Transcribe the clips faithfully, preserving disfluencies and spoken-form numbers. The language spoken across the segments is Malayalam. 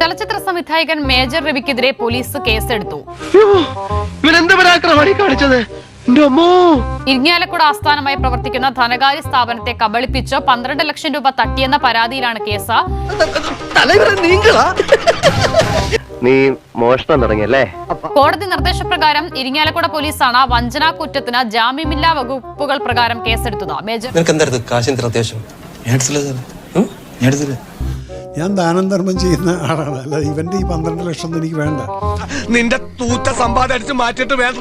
ചലച്ചിത്ര സംവിധായകൻ മേജർ രവിക്കെതിരെ പോലീസ് കേസെടുത്തു. ഇരിങ്ങാലക്കുട ആസ്ഥാനമായി പ്രവർത്തിക്കുന്ന ധനകാര്യ സ്ഥാപനത്തെ കബളിപ്പിച്ച് പന്ത്രണ്ട് ലക്ഷം രൂപ തട്ടിയെന്ന പരാതിയിലാണ് കേസ്. നീ മോഷണം തുടങ്ങിയല്ലേ? കോടതി നിർദ്ദേശപ്രകാരം ഇരിങ്ങാലക്കുട പോലീസാണ് വഞ്ചനാ കുറ്റത്തിന് ജാമ്യമില്ലാ വകുപ്പുകൾ പ്രകാരം കേസെടുത്തത്. മേജർ ഞാൻ ദാനം ധർമ്മം ചെയ്യുന്ന ആളാണ്, അല്ല ഇവന്റെ ഈ പന്ത്രണ്ട് ലക്ഷം എനിക്ക് വേണ്ട. നിന്റെ തൂറ്റ സമ്പാദിച്ച് മാറ്റിട്ട് വേണ്ട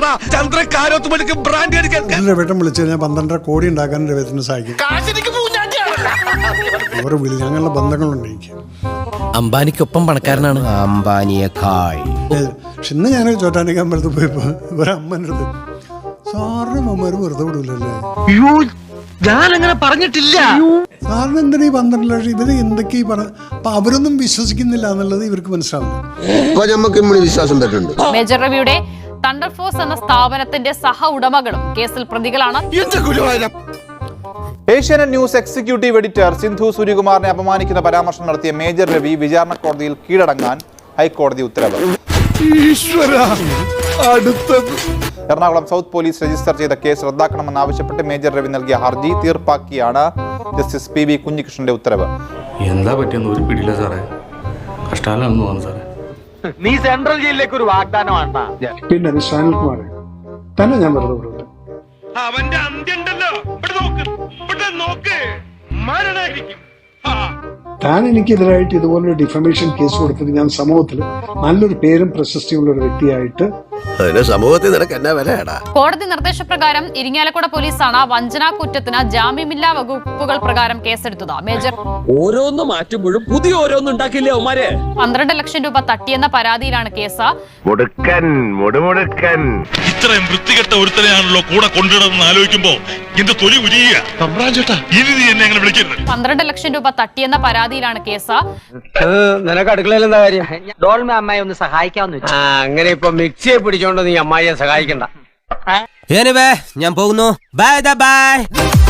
രവേട്ടം വിളിച്ചു കഴിഞ്ഞാൽ പന്ത്രണ്ടര കോടി ഉണ്ടാക്കാൻ രവേട്ടനെ സഹായിക്കും. ഓരോ വിളി ഞങ്ങളുടെ ബന്ധങ്ങളുണ്ട് എനിക്ക്. അംബാനിക്കൊപ്പം പണക്കാരനാണ് അംബാനിയേക്കാൾ. പക്ഷെ ഇന്ന് ഞാൻ ചോറ്റാനിക്കാൻ അമ്പലത്തിൽ പോയപ്പോ ഒരമ്മൻ്റെ അടുത്ത് സാറിന് അമ്മമാര് വെറുതെ വിടൂലല്ലേ? ഞാനങ്ങനെ പറഞ്ഞിട്ടില്ല. സാറിന് എന്തിനാ ഈ പന്ത്രണ്ട് ലക്ഷം? ഇവര് എന്തൊക്കെ പറ അപ്പൊ അവരൊന്നും വിശ്വസിക്കുന്നില്ല എന്നുള്ളത് ഇവർക്ക് മനസ്സിലാവില്ല. മേജർ രവിയുടെ തണ്ടർ ഫോഴ്സ് എന്ന സ്ഥാപനത്തിന്റെ സഹ ഉടമകളും കേസിൽ പ്രതികളാണ്. Asianet news executive editor Sindhu സൂര്യകുമാറിനെ അപമാനിക്കുന്ന പരാമർശം നടത്തിയ മേജർ രവി വിചാരണ കോടതിയിൽ കീഴടങ്ങാൻ ഹൈക്കോടതി ഉത്തരവ്. എറണാകുളം സൗത്ത് പോലീസ് രജിസ്റ്റർ ചെയ്ത കേസ് റദ്ദാക്കണമെന്നാവശ്യപ്പെട്ട് മേജർ രവി നൽകിയ ഹർജി തീർപ്പാക്കിയാണ് ജസ്റ്റിസ് പി വി കുഞ്ഞികൃഷ്ണന്റെ ഉത്തരവ്. എന്താ പറ്റിയെന്ന് ഒരു പിടിയില്ല സാറേ, കഷ്ടാലാണെന്ന് തോന്നുന്നു സാറേ. നീ സെൻട്രൽ ജയിലിലേക്ക് ഒരു വാഗ്ദാനമാണ്. പിന്നെ സുനിൽകുമാർ തന്നെ ഞാൻ വെറുതെ വിടൂല. അവന്റെ അന്ത്യണ്ടല്ലോ, നോക്ക് മരണായിരിക്കും. താൻ എനിക്കെതിരായിട്ട് ഇതുപോലൊരു ഡിഫമേഷൻ കേസ് കൊടുത്തത് ഞാൻ സമൂഹത്തിൽ നല്ലൊരു പേരും പ്രശസ്തിയുള്ള ഒരു വ്യക്തിയായിട്ട് സമൂഹത്തിൽ നിനക്ക് എന്നാ വിലയാടാ? കോടതി നിർദ്ദേശപ്രകാരം ഇരിങ്ങാലക്കുട പോലീസാണ് വഞ്ചനാ കുറ്റത്തിന് ജാമ്യമില്ലാ വകുപ്പുകൾ പ്രകാരം കേസെടുത്തത്. മേജർ ഓരോന്ന് മാറ്റുമ്പോഴും പുതിയ ഓരോന്ന് ഉണ്ടാക്കില്ലേ അവന്മാരെ? പന്ത്രണ്ട് ലക്ഷം രൂപ തട്ടിയെന്ന പരാതിയിലാണ് കേസ്. മുടുക്കൻ മുടുമുടുക്കൻ ഇത്രയും വൃത്തികെട്ട ഒരുത്തനെയാണല്ലോ കൂടെ കൊണ്ടിടുന്ന ആലോചിക്കുമ്പോ എന്റെ തൊലി ഉരിയുക. ഇനി നീ എന്നെ അങ്ങനെ വിളിക്കരുത്. പന്ത്രണ്ട് ലക്ഷം രൂപ തട്ടിയെന്ന പരാതിയിലാണ് കേസ്. നിനക്ക് അടുക്കളയിൽ എന്താ കാര്യം? ഡോൾമ അമ്മായി ഒന്ന് സഹായിക്കാമെന്ന് വെച്ചു. അങ്ങനെ ഇപ്പൊ മിക്സിയെ പിടിച്ചോണ്ട് നീ അമ്മായിയെ സഹായിക്കണ്ട. ഞാൻ പോകുന്നു. Bye by.